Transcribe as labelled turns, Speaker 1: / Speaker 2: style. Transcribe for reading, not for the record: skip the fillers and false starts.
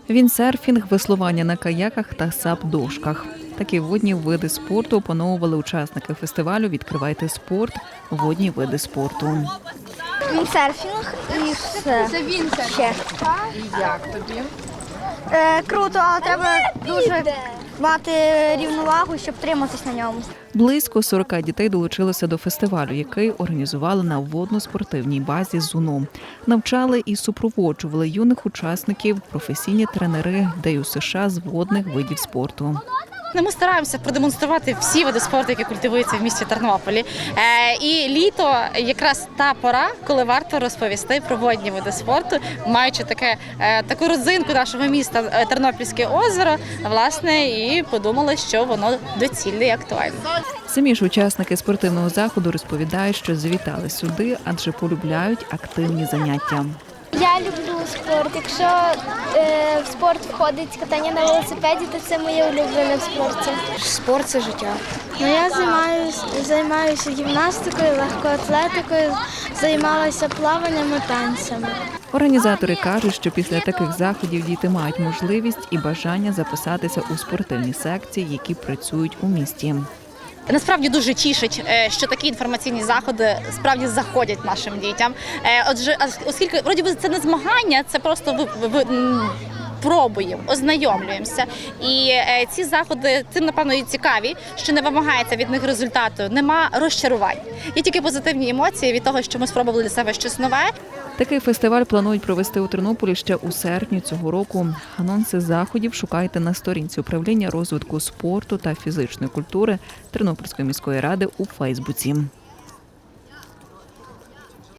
Speaker 1: Віндсерфінг, веслування на каяках та сап-дошках. Такі водні види спорту опановували учасники фестивалю «Відкривайте спорт. Водні види спорту».
Speaker 2: Віндсерфінг і все.
Speaker 3: Це віндсерфінг.
Speaker 2: Ще.
Speaker 3: І як тобі?
Speaker 2: Круто, але треба дуже мати рівновагу, щоб триматись на ньому.
Speaker 1: Близько 40 дітей долучилося до фестивалю, який організували на водно-спортивній базі ЗУНО. Навчали і супроводжували юних учасників професійні тренери ДЮСШ з водних видів спорту.
Speaker 4: Ми стараємося продемонструвати всі види спорту, які культивуються в місті Тернополі. І літо якраз та пора, коли варто розповісти про водні види спорту, маючи таку родзинку нашого міста Тернопільське озеро, власне, і подумали, що воно доцільне і актуальне.
Speaker 1: Самі ж учасники спортивного заходу розповідають, що завітали сюди, адже полюбляють активні заняття.
Speaker 5: Я люблю спорт. Якщо в спорт входить катання на велосипеді, то це моє улюблене в спорті.
Speaker 2: Спорт – це життя.
Speaker 5: Я займаюся гімнастикою, легкоатлетикою, займалася плаванням і танцями.
Speaker 1: Організатори кажуть, що після таких заходів діти мають можливість і бажання записатися у спортивні секції, які працюють у місті.
Speaker 4: Насправді дуже тішить, що такі інформаційні заходи справді заходять нашим дітям. Отже, оскільки вроді би це не змагання, це просто пробуємо, ознайомлюємося. І ці заходи тим, напевно, і цікаві, що не вимагається від них результату, нема розчарувань. Є тільки позитивні емоції від того, що ми спробували для себе щось нове.
Speaker 1: Такий фестиваль планують провести у Тернополі ще у серпні цього року. Анонси заходів шукайте на сторінці управління розвитку спорту та фізичної культури Тернопільської міської ради у Фейсбуці.